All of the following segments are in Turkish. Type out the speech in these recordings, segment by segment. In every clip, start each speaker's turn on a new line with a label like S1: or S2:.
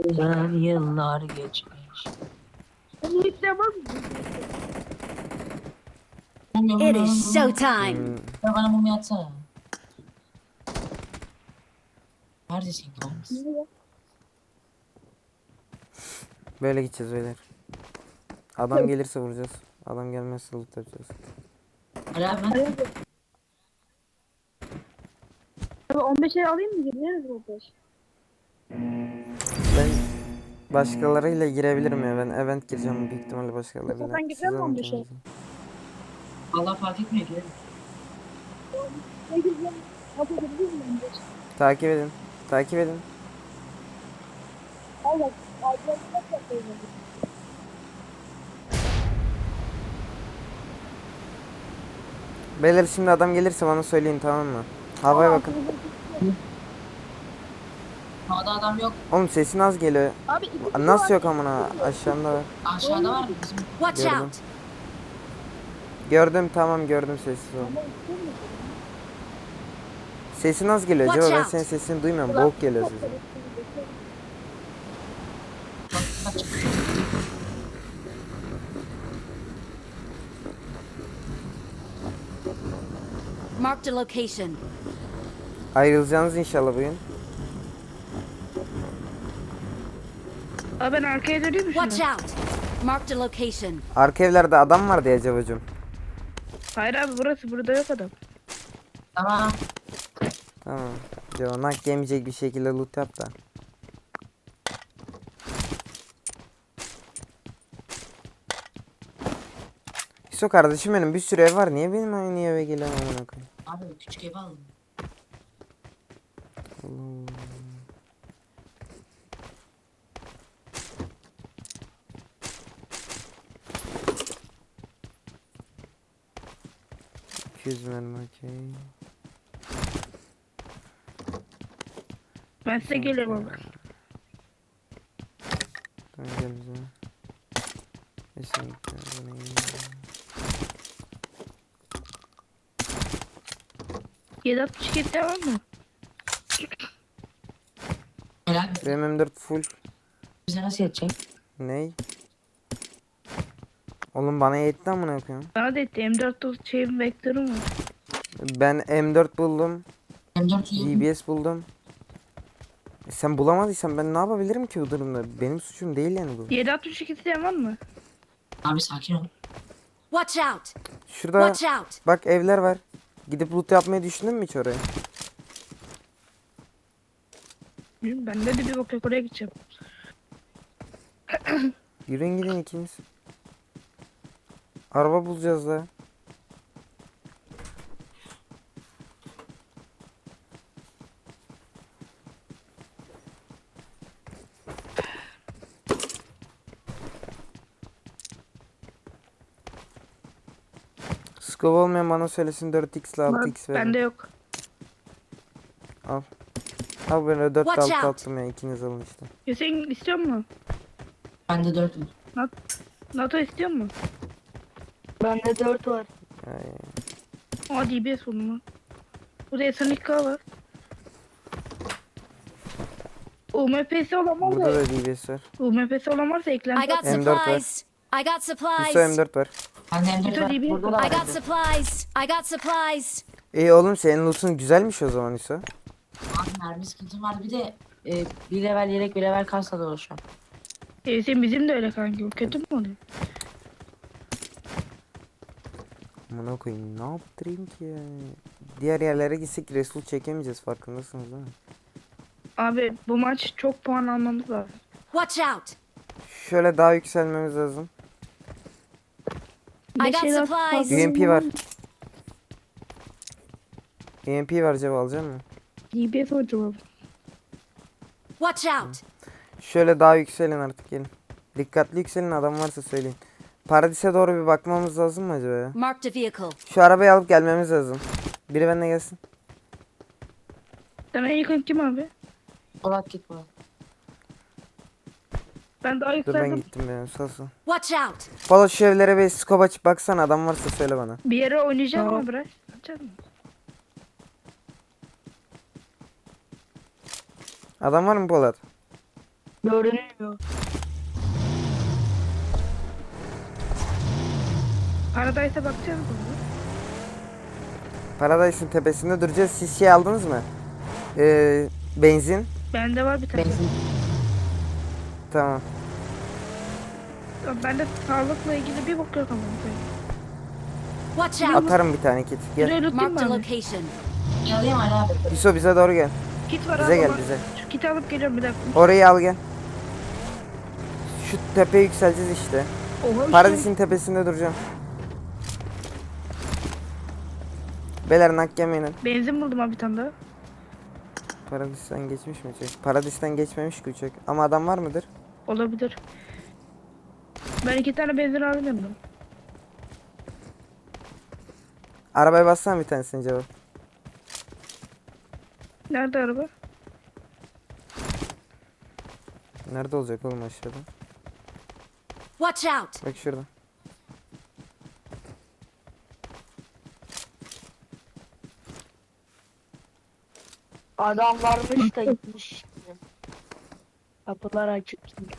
S1: Güzel yıllar geçmiş.
S2: Bunu hiç yapamam.
S3: It is showtime.
S1: Ya bana mum yatsana. Neredesin kanks?
S4: Böyle gideceğiz beyler. Adam gelirse vuracağız. Adam gelmezse loot yapacağız.
S1: Ali abi ben.
S2: Abi 15'e alayım mı? Gideriz 15.
S4: Ben başkalarıyla girebilirim ya. Ben event gireceğim büyük ihtimalle başkalarıyla.
S2: Sen
S4: Siz
S2: gidiyor musun
S4: alın
S2: 15'e?
S4: kendinize.
S1: Allah fark etmiyor ki.
S2: Ne güzel. Nasıl gidiyoruz mu 15?
S4: Takip edin. Takip edin.
S2: Evet. Acayip nasıl yapıyoruz?
S4: Beyler şimdi adam gelirse bana söyleyin, tamam mı? Havaya bakın.
S1: Havada adam yok.
S4: Oğlum sesin az geliyor.
S2: Abi iki
S4: Nasıl yok amına? Aşağımda var.
S1: Aşağıda var mı bizim?
S3: Watch
S4: Gördüm.
S3: out.
S4: Gördüm, tamam gördüm, sessiz ol. Sesin az geliyor.
S3: Watch
S4: Acaba ben
S3: out.
S4: senin sesini duymuyorum. Boğuk geliyor sesin.
S1: Bak, bak.
S3: Marked a location.
S4: Ayrılacaksınız inşallah bugün.
S2: Abi ben arkaya döneyim mi
S3: Watch
S2: şimdi?
S3: out. Marked a location.
S4: Arka evlerde adam var diye acabacım.
S2: Hayır abi burası, burada yok adam.
S1: Tamam.
S4: Tamam. Acaba nak yemeyecek bir şekilde loot yap da. Hüso kardeşim benim, bir sürü ev var. Niye benim aynı eve gelen amına koyayım?
S1: Abi küçük ev aldım.
S4: Mermi okey.
S2: Ben size gelirim abi.
S4: Tamam gel bize. Kesinlikle. Bu ne?
S2: 762 devam mı?
S1: Ali abi
S4: Benim M4 full.
S1: bize nasıl yetecek?
S4: Ney? Oğlum bana yetti amına koyayım.
S2: Bana da etti. M4 şeyim vektörüm var.
S4: Ben M4 buldum.
S1: M4 yiyelim.
S4: DBS buldum. Sen bulamadıysan ben ne yapabilirim ki bu durumda? Benim suçum değil yani bu.
S2: 762 devam mı?
S1: Abi sakin ol.
S3: Watch out.
S4: Şurada
S3: Watch out.
S4: bak evler var. Gidip loot yapmayı düşündün mü hiç oraya?
S2: Bilmiyorum, bende de bir bok yok, oraya gideceğim.
S4: Yürüyün gidin ikiniz. Araba bulacağız da. Scope olmayan bana söylesin, 4x ile 6x verin.
S2: Bende yok.
S4: Al. Al ben de 4
S3: Watch
S4: 6
S3: out.
S4: attım ya, ikiniz alın işte.
S2: Hüseyin istiyor mu?
S1: Bende 4 var.
S2: NATO istiyor mu?
S5: Bende 4 var.
S4: Ay.
S2: Aa DBS buldum lan. Burada SNK var. UMP'si olan var
S4: Burada
S2: da.
S4: da DBS var.
S2: UMP'si olan varsa
S3: I
S2: eklenti.
S3: got
S4: M4 var.
S3: supplies. I got
S4: Hüso
S3: supplies.
S4: M4 var.
S1: Bende M4
S2: Bütün
S1: var.
S2: DB
S1: Burada da var.
S3: I got supplies. I got supplies.
S4: İyi oğlum, senin loot'un güzelmiş o zaman Hüso.
S1: Abi mermi sıkıntım vardı. Bir de bir level yelek bir level kasla dolaşıyorum.
S2: Hüseyin bizim de öyle kanki. O kötü mü oluyor?
S4: Amına koyayım, ne yaptırayım ki ya? Diğer yerlere gitsek Resul çekemeyeceğiz, farkındasınız değil mi?
S2: Abi bu maç çok puan almamız lazım.
S3: Watch out.
S4: Şöyle daha yükselmemiz lazım.
S3: I got
S2: Beş el
S3: supplies.
S2: fazla
S4: UMP var. UMP var, cevap alacak mısın?
S2: DBS hocam abi.
S3: Watch out.
S4: Şöyle daha yükselin artık, gelin. Dikkatli yükselin, adam varsa söyleyin. Paradise doğru bir bakmamız lazım mı acaba ya?
S3: Marked a vehicle.
S4: Şu arabayı alıp gelmemiz lazım. Biri benimle gelsin.
S2: Sen en yakın kim abi?
S1: Polat git Polat.
S2: Ben daha
S4: Dur ben
S2: yükseldim.
S4: gittim ya, sağ ol.
S3: Watch out.
S4: Valla şu evlere bir scope açıp baksana, adam varsa söyle bana.
S2: Bir yere oynayacağım ama bırak. Açar mı?
S4: Adam var mı Polat?
S5: Görünmüyor.
S2: Paradise'a bakacağız mı?
S4: Paradise'ın tepesinde duracağız. Siz şey aldınız mı? Benzin.
S2: Bende var bir tane.
S1: Benzin.
S4: Tamam.
S2: Bende sağlıkla ilgili bir bok yok ama.
S3: Watch out!
S4: Atarım bir tane kit. Gel.
S2: Buraya lootlayayım
S3: Marked a
S2: mı abi?
S3: location.
S1: Yalayayım Ali abi.
S4: Yusuf bize doğru gel.
S2: Kit var
S4: Bize
S2: abi
S4: gel
S2: ama
S4: bize.
S2: Şu kiti alıp geliyorum bir dakika.
S4: Orayı al gel. Şu tepeye yükseleceğiz işte.
S2: Oha işte.
S4: Paradise'in tepesinde duracağım. Beyler nak yemeyin.
S2: Benzin buldum abi bir tane daha.
S4: Paradis'ten geçmiş mi uçak? Paradis'ten geçmemiş ki uçak. Ama adam var mıdır?
S2: Olabilir. Ben 2 tane benzin aldım yanımda.
S4: Arabaya bassana bir tanesini cevap.
S2: Nerede araba?
S4: Nerede olacak oğlum aşağıda?
S3: Watch out!
S4: Bak şurada.
S5: Adam varmış da gitmiş. Kapılar açık çünkü.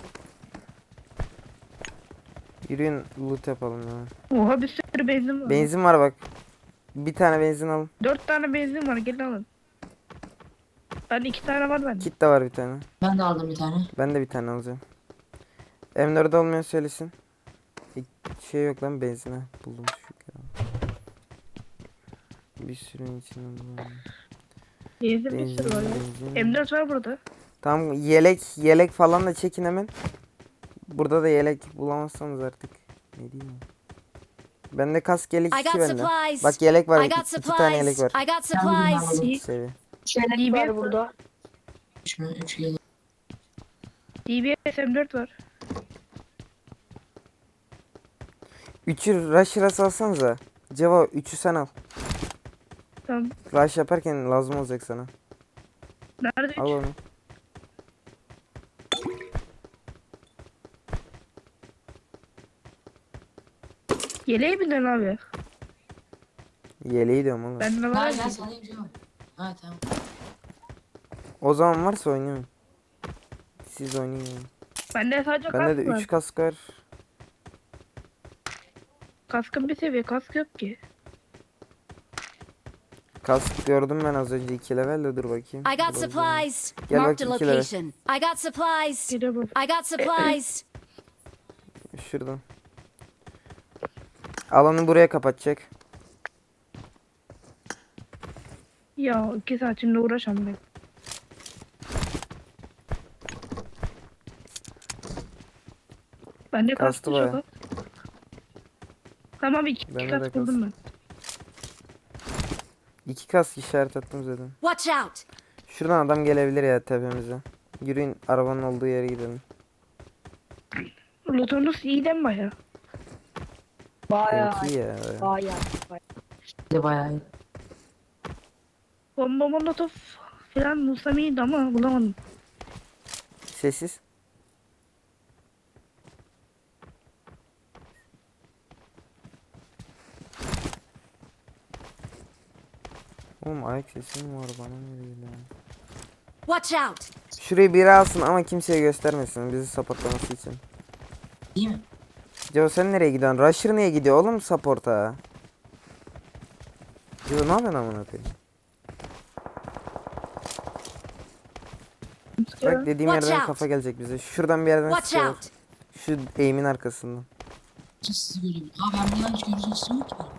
S4: Yürüyün loot yapalım ya.
S2: Oha bir sürü benzin var.
S4: Benzin var bak. Bir tane benzin alın.
S2: 4 tane benzin var gelin alın. Ben 2 tane var bende.
S4: Kit de var bir tane.
S1: Ben de aldım bir tane.
S4: Ben de bir tane alacağım. M4 olmayan söylesin. Şey yok lan benzine. Buldum şu ya. Bir sürü içinden bulalım.
S2: Benzin bir sürü var ya. M4 var burada.
S4: Tamam yelek falan da çekin hemen. Burada da yelek bulamazsanız artık. Ne diyeyim? Bende kask yelek
S3: I
S4: 2
S3: got
S4: bende.
S3: supplies.
S4: Bak yelek var.
S3: I got
S4: 2 tane yelek
S3: supplies.
S4: var.
S3: I got supplies.
S2: İyi.
S4: Seviye.
S5: Çelik var burada.
S1: 3 mü? 3 geliyor.
S2: DBS M4 var.
S4: 3'ü rush alsanıza. Ceva 3'ü sen al.
S2: Tamam.
S4: Rush yaparken lazım olacak sana.
S2: Nerede
S4: Al
S2: 3?
S4: onu.
S2: Yeleği bindin abi.
S4: Yeleği diyorum oğlum.
S2: Bende var.
S1: Gel gel salayım canım. Ha tamam.
S4: O zaman varsa oynayın. Siz oynayın.
S2: Bende sadece
S4: Bende
S2: kask
S4: de
S2: var.
S4: 3 kask var.
S2: Kaskın bir seviye kask yok ki.
S4: Kask gördüm ben az önce 2 level de dur bakayım.
S3: I got
S4: Dur bakayım.
S3: supplies.
S4: Gel
S3: Marked a
S4: bakayım, kill
S3: location. I got supplies.
S2: Geliyor bu.
S3: I got supplies.
S4: Şuradan. Alanı buraya kapatacak.
S2: Ya 2 saat şimdi uğraşam ben. Bende
S4: Kastı
S2: kask
S4: bayağı.
S2: yok. Tamam 2
S4: Bende de
S2: kask buldum ben.
S4: 2 kask işaret attım zaten.
S3: Watch out!
S4: Şuradan adam gelebilir ya tepemize. Yürüyün arabanın olduğu yere gidelim.
S2: Lootunuz iyi değil mi baya?
S5: Bayağı.
S4: Evet iyi ya.
S5: Bayağı.
S1: Bir de bayağı iyi.
S2: Bomba molotof falan bulsam iyiydi ama bulamadım.
S4: Sessiz. Oğlum ayak sesi mi var bana ne değil ya.
S3: Watch out!
S4: Şurayı biri alsın ama kimseye göstermesin bizi supportlaması için.
S1: İyi mi?
S4: Joe sen nereye gidiyorsun? Rusher niye gidiyor oğlum support'a? Joe ne yapıyorsun amına koyayım? Bak dediğim
S3: Watch
S4: yerden
S3: out.
S4: kafa gelecek bize. Şuradan bir yerden
S3: Watch
S4: sıkıyorlar.
S3: out!
S4: Şu eğimin arkasından.
S1: Sizi göreyim. Aa ben buradan hiç görüş açısı yok ki benim.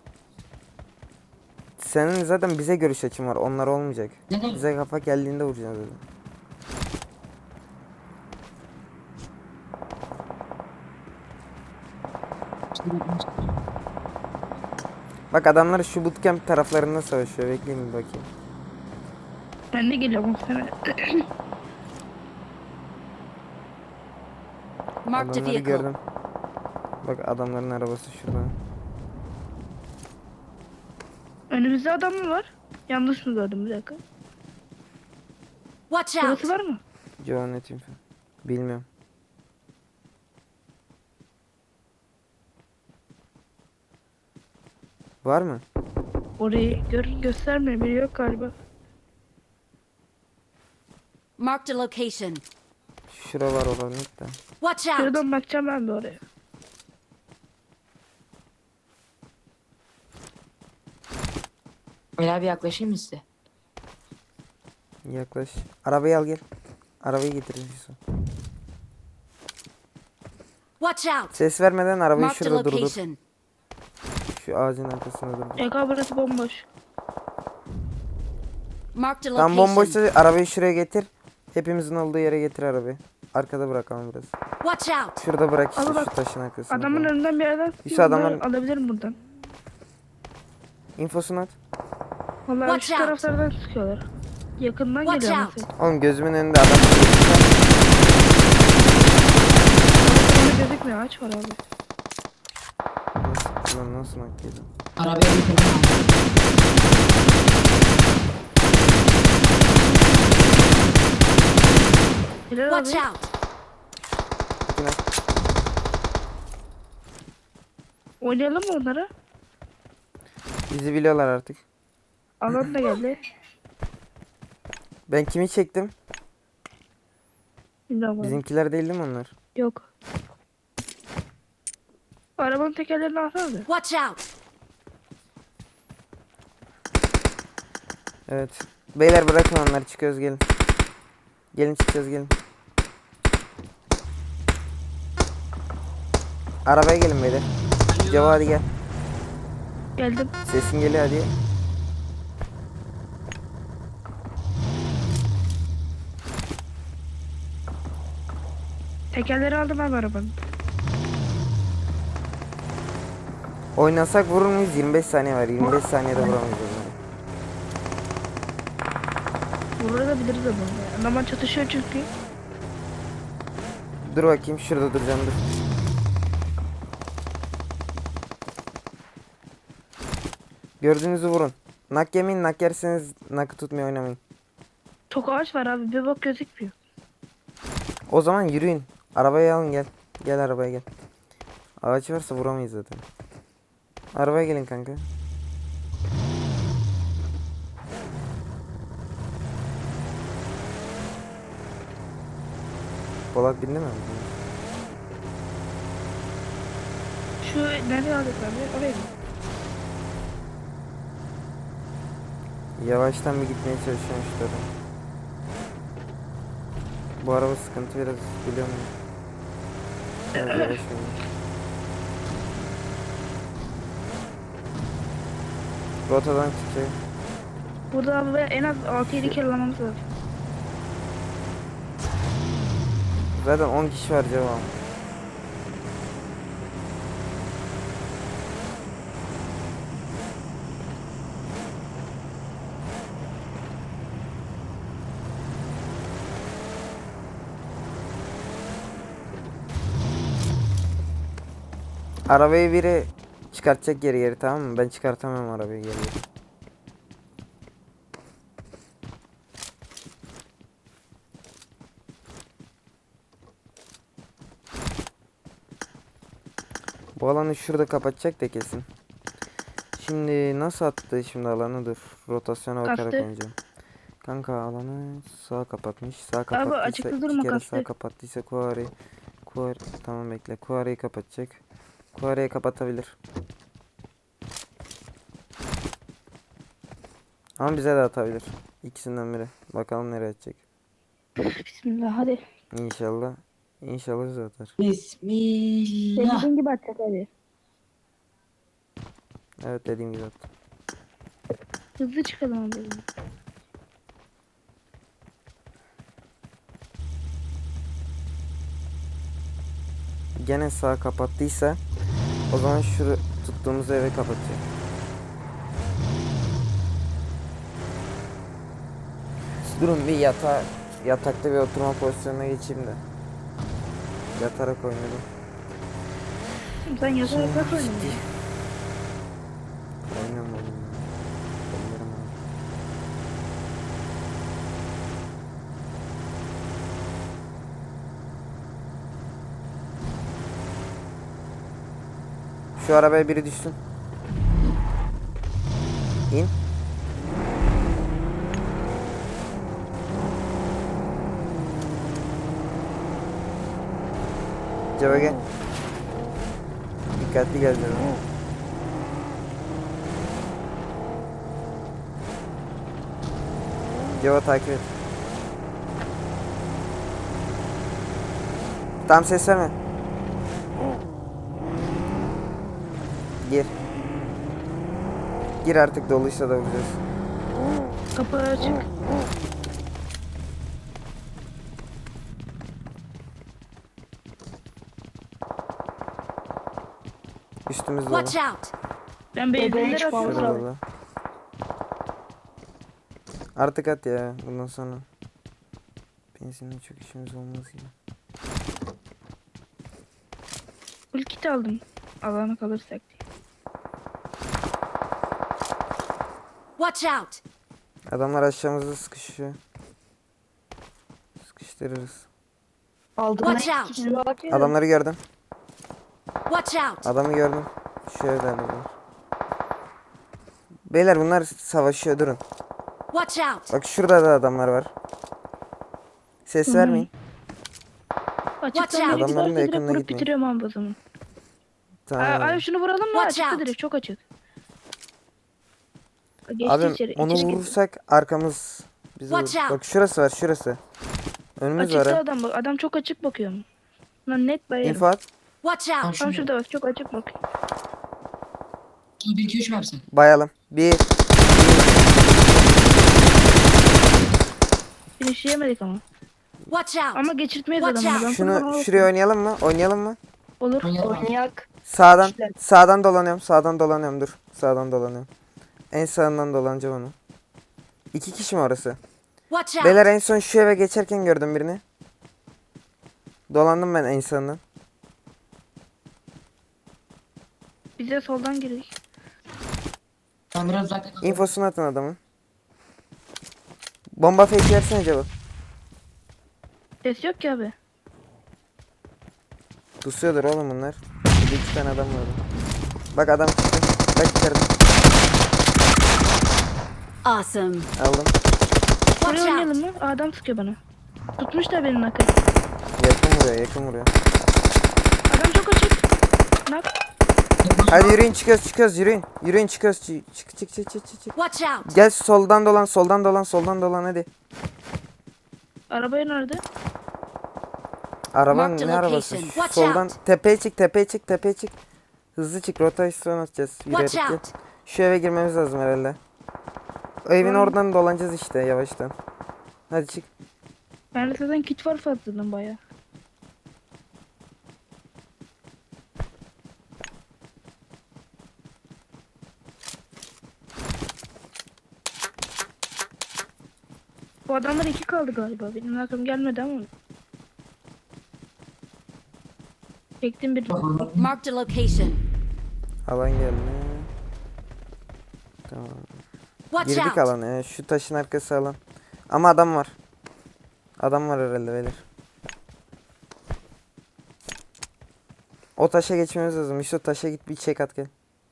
S4: Senin zaten bize görüş açın var. Onlar olmayacak.
S1: Neden?
S4: Bize kafa geldiğinde vuracağız dedim. Bak adamlar şu bootcamp taraflarında savaşıyor. Bekleyin bir bakayım.
S2: Ben de geliyorum sana.
S3: Marked a
S4: Adamları
S3: vehicle.
S4: gördüm. Bak adamların arabası şurada.
S2: Önümüzde adam mı var? Yanlış mı gördüm bir dakika.
S3: Watch out!
S2: Burası var mı?
S4: Joe net info. Bilmiyorum. Var mı?
S2: Orayı göstermiyor. Biri yok galiba.
S3: Marked a location.
S4: şura var oranın da.
S3: Watch out!
S2: Şuradan bakacağım ben de oraya.
S1: Öyle bir yaklaşayım mı size?
S4: Yaklaş. Arabayı al gel. Arabayı getir Yusuf.
S3: Watch out!
S4: Ses vermeden arabayı
S3: Marked a
S4: şurada durdur.
S3: location.
S4: Şu ağacın arkasında durdur.
S2: Eka burası bomboş.
S3: Marked a
S4: Tam
S3: location.
S4: bomboşsa arabayı şuraya getir. Hepimizin olduğu yere getir arabayı. Arkada bırakalım biraz.
S3: Watch out!
S4: Şurada bırak işte
S2: Ama bak,
S4: şu taşın arkasında.
S2: Adamın
S4: falan.
S2: önünden bir yerden
S4: Yusuf,
S2: sıkıyor.
S4: adamların-
S2: Alabilirim buradan.
S4: İnfosunu at.
S2: Vallahi
S3: Watch
S2: şu
S3: out.
S2: taraflardan sıkıyorlar. Yakından
S3: Watch
S2: geliyor
S3: out.
S2: mesela.
S4: Oğlum gözümün önünde adam.
S2: Orada gözükmüyor, ağaç var abi.
S4: Nasıl, lan nasıl nakliydi?
S1: Arabaya bitirdim abi.
S2: Helal
S3: Watch
S2: abi.
S3: out!
S4: Bakın at.
S2: Oynayalım mı onları?
S4: Bizi biliyorlar artık.
S2: Alan da geldi.
S4: Ben kimi çektim?
S2: Bilmiyorum abi.
S4: Bizimkiler değil mi onlar?
S2: Yok. Arabanın tekerlerini alsana da.
S3: Watch out!
S4: Evet. Beyler bırakın onları, çıkıyoruz gelin. Gelin çıkacağız gelin. Arabaya gelin beyler. Ceva hadi gel.
S2: Geldim.
S4: Sesin geliyor hadi.
S2: Tekerleri aldım abi arabanın.
S4: Oynasak vurur muyuz? 25 saniye var. 25 saniyede vuramayız onları.
S2: Vurabiliriz ama. Adamlar çatışıyor çünkü.
S4: Dur bakayım şurada duracağım dur. Gördüğünüzü vurun. Nak yemeyin, nak yerseniz nakı tutmaya oynamayın.
S2: Çok ağaç var abi, bir bak gözükmüyor.
S4: O zaman yürüyün. Arabayı alın gel. Gel arabaya gel. Ağaç varsa vuramayız zaten. Arabaya gelin kanka. Polat bindi mi?
S2: Şu nereye aldık abi? Oraya mı?
S4: Yavaştan bir gitmeye çalışıyorum şu tarafa. Bu araba sıkıntı biraz, biliyor musun? Biraz yavaş oynuyor. Rotadan çıkacak.
S2: Burada abi en az 6-7 kere almamız lazım.
S4: Zaten 10 kişi var cevabım. Arabayı biri çıkartacak geri geri, tamam mı? Ben çıkartamam arabayı geri geri. Bu alanı şurada kapatacak da kesin. Şimdi nasıl attı şimdi alanı, dur. Rotasyona bakarak
S2: Kastı.
S4: oynayacağım. Kanka alanı sağa kapatmış. Sağ kapattıysa
S2: açıkta durma,
S4: iki kere
S2: kastı.
S4: sağ kapattıysa Kuari. Tamam bekle. Kuari'yi kapatacak. Kuari'yi kapatabilir. Ama bize de atabilir. İkisinden biri. Bakalım nereye atacak.
S2: Bismillah hadi.
S4: İnşallah. İnşallah bize atar.
S1: Bismillah.
S2: Dediğin gibi atacak hadi.
S4: Evet, dediğim gibi attı.
S2: Hızlı çıkalım abi.
S4: Gene sağ kapattıysa o zaman şu tuttuğumuz eve kapatacak. Durun bir yatakta bir oturma pozisyonuna geçeyim de. Yatarak oynadım.
S2: Sen yazarak bak oynayın.
S4: Oynamadım ya. Ellerim ağrıyor. Şu arabaya biri düşsün. İn. Ceva gel. Dikkatli gel Ceva. Ceva takip et. Tam ses verme. Gir. Gir artık, doluysa da vuracağız.
S2: Kapı açık.
S4: Üstümüz dolu.
S3: Watch out!
S2: Ben
S5: Bebeğe
S2: benzinleri
S5: çıkmamız
S2: atıyorum.
S5: lazım.
S4: Şurada dolu. Artık at ya bundan sonra. Benzinle çok işimiz olmaz gibi.
S2: Full kit aldım. Alana kalırsak diye.
S3: Watch out!
S4: Adamlar aşağımızda sıkışıyor. Sıkıştırırız.
S5: Aldım
S3: Watch
S5: ben
S3: out.
S5: ikisini bak ya.
S4: Adamları gördüm.
S3: Watch out!
S4: Adamı gördüm. Şu evlerde var. Beyler bunlar savaşıyor, durun.
S3: Watch out!
S4: Bak şurada da adamlar var. Ses vermeyin.
S2: Açıktan
S3: out.
S2: biri
S4: Adamların da
S2: giderse direkt
S4: yakınına
S2: vurup
S4: gitmeyin.
S2: bitiriyorum abi o zaman.
S4: Tamam.
S2: Ay şunu vuralım mı?
S3: Watch
S2: Açıkta
S3: out.
S2: direkt çok açık. Geçti
S4: Abi
S2: içeri.
S4: onu
S2: içeri girdi.
S4: vurursak arkamız bizi
S3: Watch
S4: vurur.
S3: out.
S4: Bak şurası var, şurası. Önümüz var
S2: Açıkta
S4: ha.
S2: adam bak. Adam çok açık bakıyor. Lan net bayarım.
S4: İnfo at.
S3: Watch
S1: Tamam
S3: out!
S2: Tam
S1: şurada.
S2: şurada bak çok açık bakıyor.
S1: 1 2 3 mü yapsın?
S4: Bayalım. Bir.
S2: Finish yemedik ama.
S3: Watch out!
S2: Ama geçirtmeyiz
S3: Watch
S2: adamı.
S3: out.
S2: Ben
S4: Şunu
S2: falan
S4: şuraya oynayalım mı? Oynayalım mı?
S2: olur.
S1: Oynayalım.
S5: Oynayak.
S4: Sağdan.
S5: İşte.
S4: Sağdan dolanıyorum. Sağdan dolanıyorum. Dur. Sağdan dolanıyorum. En sağından dolanacağım onu. 2 kişi mi orası?
S3: Watch out!
S4: Beyler en son şu eve geçerken gördüm birini. Dolandım ben en sağından.
S2: Bize soldan girdik.
S1: Ben biraz uzakta kalayım.
S4: İnfosunu atın adamın. Bomba fake versene acaba.
S2: Ses yok ki abi.
S4: Pusuyordur oğlum bunlar. Bir iki tane adam var. Bak adam çıktı. Bak içeride.
S3: Awesome!
S4: Aldım.
S3: Watch
S2: Buraya
S3: out!
S2: oynayalım mı? Adam sıkıyor bana. Tutmuş da benim nakı.
S4: Yakın vuruyor, yakın vuruyor.
S2: Adam çok açık. Nak.
S4: Hadi yürüyün, çıkıyoruz yürüyün. Yürüyün, çıkıyoruz. Çık.
S3: Watch out!
S4: Gel soldan dolan hadi.
S2: Arabaya nerede?
S4: Arabanın
S3: Mark the
S4: ne arabası?
S3: location.
S4: Şu
S3: Watch
S4: soldan
S3: out.
S4: tepeye çık. Hızlı çık, rotasyon atacağız.
S3: Watch
S4: Yürüyerek gel.
S3: out!
S4: Şu eve girmemiz lazım herhalde. O evin
S2: Tamam.
S4: oradan dolanacağız işte yavaştan. Hadi çık.
S2: Bende zaten kit var fazladan baya. Bu adamlar iki kaldı galiba. Benim aklım gelmedi ama. Çektim bir.
S3: Marked a location.
S4: Alan geldi. Tamam.
S3: Watch
S4: Girdik
S3: out!
S4: alana ya. Şu taşın arkası alan. Ama adam var. Adam var herhalde beyler. O taşa geçmemiz lazım. İşte o taşa git bir çek at gel.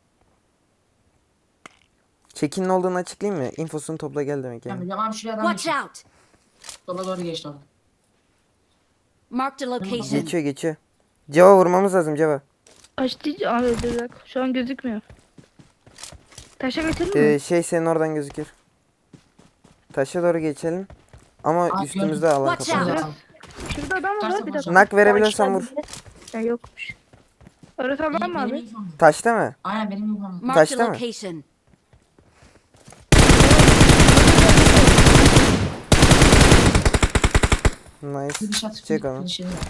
S4: Çekin ne olduğunu açıklayayım mı? İnfosunu topla gel demek
S1: Tamam,
S4: yani.
S1: tamam şuraya adam
S3: Watch
S1: geçti.
S3: out!
S1: Sola doğru geçti orada.
S3: Marked a location.
S4: Geçiyor. Ceva vurmamız lazım Ceva.
S2: Açtı. Abi dur bak. Şu an gözükmüyor. Taşa geçelim mi?
S4: Şey senin oradan gözükür. Taşa doğru geçelim. Ama
S1: Aa,
S4: üstümüzde
S1: gördüm.
S4: alan
S3: Watch
S4: kapalı.
S3: out.
S1: Tamam.
S2: Şurada adam var
S1: Tutarsın
S2: bir
S1: o
S2: dakika.
S1: zaman.
S4: Nak verebiliyorsan vur.
S2: Ya yokmuş. Orası adam mı
S1: Benim
S2: abi?
S1: infom.
S4: Taşta mı?
S1: Aynen benim infom.
S3: Marked a
S4: Taşta mı?
S3: location.
S4: Nice.
S1: Bir şat.
S4: Çek onu.
S1: bir şey yok.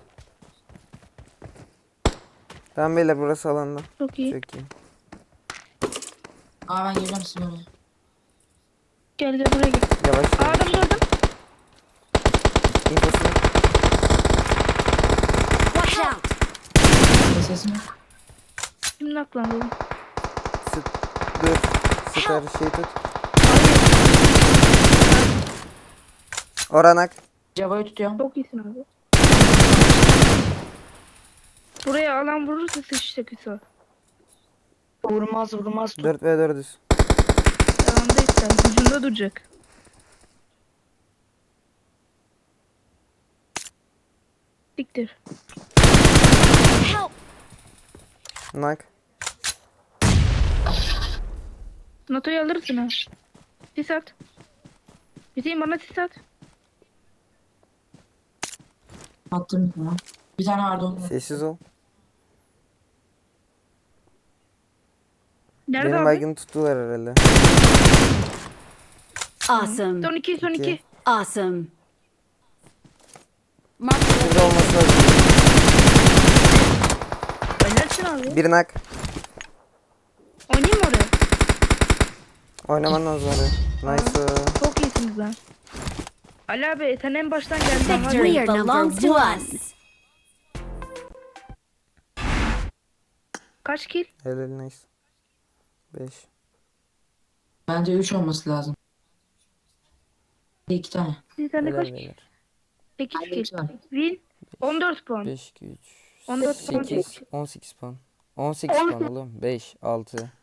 S4: Tamam beyler burası alanda.
S2: Çok iyi.
S4: Çok iyi.
S1: Aa ben geleceğim size oraya.
S2: Gel buraya gel.
S4: Yavaş.
S2: Aa, adam gördüm.
S4: İnfosunu.
S3: Watch out!
S1: Sesim yok.
S2: Kim naklandı oğlum?
S4: Sıt. Dur. Sıkar şey tut. Oranak.
S1: Cevayı tutuyorum.
S2: Çok iyisin abi. Buraya alan vurursa sıçacak Hüso.
S5: Vurmaz.
S4: 4v4'üz.
S2: Devamda işte. Ucunda duracak. Diktir.
S3: Help!
S4: Nak.
S2: NATO'yu alırsın ha. Sis at. Hüseyin bana sis at.
S1: Attım ya. Bir tane vardı onun.
S4: Sessiz ol.
S2: Nerede
S4: Benim
S2: abi?
S4: baygını tuttular herhalde.
S3: Awesome.
S2: Son 2 son 2.
S4: İki.
S3: Awesome. Marked a
S4: Burada olması lazım.
S2: Oynarsın abi.
S4: Bir nak.
S2: Oynayayım mı oraya?
S4: Oynaman lazım oraya. Nice.
S2: Çok iyisiniz lan. Ali abi sen en baştan geldin.
S3: victory
S2: Hadi.
S3: belongs to us.
S2: Kaç kill?
S4: Helal nice. 5.
S1: Bence 3 olması lazım. 2 tane.
S2: Bir tane
S4: Helal
S2: kaç kill?
S4: beyler.
S2: 8
S1: Bende
S2: kill.
S1: 3 var.
S2: Win 14 puan.
S4: 5, 2, 3,
S2: 14 puan.
S4: 8, 18 puan. 18 puan oğlum. 5, 6,